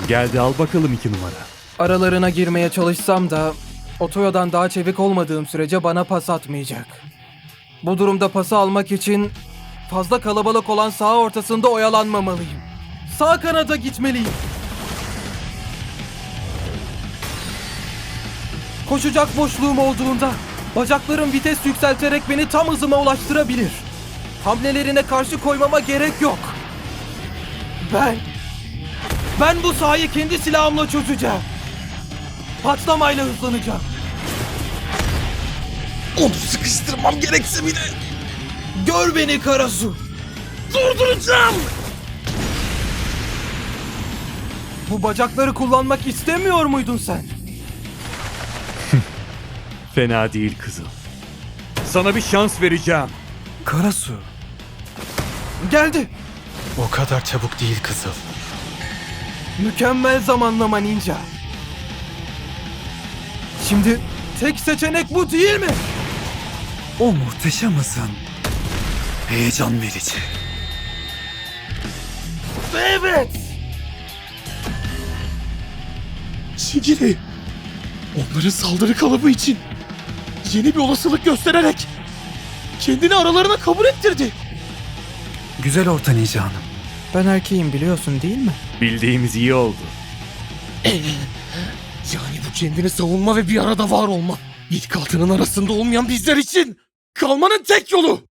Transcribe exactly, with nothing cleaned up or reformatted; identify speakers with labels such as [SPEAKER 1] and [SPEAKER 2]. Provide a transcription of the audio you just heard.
[SPEAKER 1] Geldi, al bakalım iki numara.
[SPEAKER 2] Aralarına girmeye çalışsam da Otoyo'dan daha çevik olmadığım sürece bana pas atmayacak. Bu durumda pası almak için fazla kalabalık olan saha ortasında oyalanmamalıyım. Sağ kanada gitmeliyim. Koşacak boşluğum olduğunda bacaklarım vites yükselterek beni tam hızıma ulaştırabilir. Hamlelerine karşı koymama gerek yok. Ben... Ben bu sahayı kendi silahımla çözeceğim. Patlamayla hızlanacağım.
[SPEAKER 3] Onu sıkıştırmam gerekse bile
[SPEAKER 2] Gör beni Karasu.
[SPEAKER 3] durduracağım.
[SPEAKER 2] Bu bacakları kullanmak istemiyor muydun sen?
[SPEAKER 1] Fena değil kızım. Sana bir şans vereceğim.
[SPEAKER 4] Karasu,
[SPEAKER 2] Geldi.
[SPEAKER 4] o kadar çabuk değil kızıl.
[SPEAKER 2] Mükemmel zamanlama ninja. Şimdi tek seçenek bu değil mi?
[SPEAKER 4] O muhteşem hızın heyecan verici.
[SPEAKER 2] Evet.
[SPEAKER 3] Shigiri, onların saldırı kalıbı için yeni bir olasılık göstererek kendini aralarına kabul ettirdi.
[SPEAKER 4] Güzel orta Ninja Hanım.
[SPEAKER 2] Ben erkeğim biliyorsun değil mi?
[SPEAKER 1] Bildiğimiz iyi oldu.
[SPEAKER 3] Yani bu kendini savunma ve bir arada var olma. İlk altının arasında olmayan bizler için kalmanın tek yolu.